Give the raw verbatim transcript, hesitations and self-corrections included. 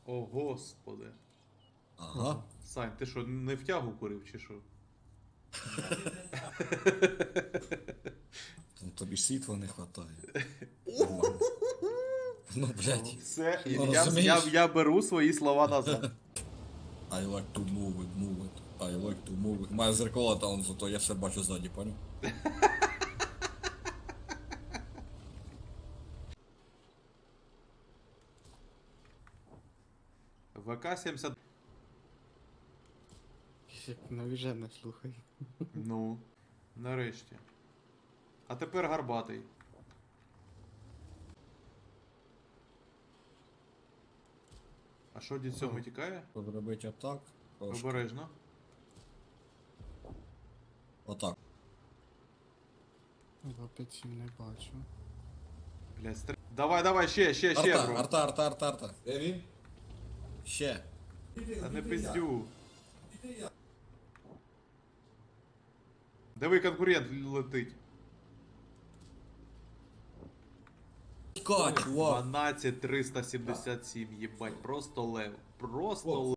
О, господи. Ага. Сань, ти що, не в тягу курив чи що? Ну, тобі ж світла не хватає. Нормально. Ну, блядь. Все, Ну, я, я, розумієш? я, я беру свої слова назад. I like to move it, move it. I like to move it. Має зеркало там, зато я все бачу ззаді, понял? ВК сімдесят. Як навіжене, слухай. Ну, нарешті. А тепер гарбатий. А що дід сьомий тікає? Тут робити отак. трошки. Обережно. Отак. два п'ять сім не бачу. Блядь, стр... Давай, давай, ще, ще, ще, Арта, бро. арта, арта, арта, арта. Де він? Ще. Та не пиздю. Диви, конкурент летить. Ка, чувак. дванадцять триста сімдесят сім, єбать, просто лев. Просто лев.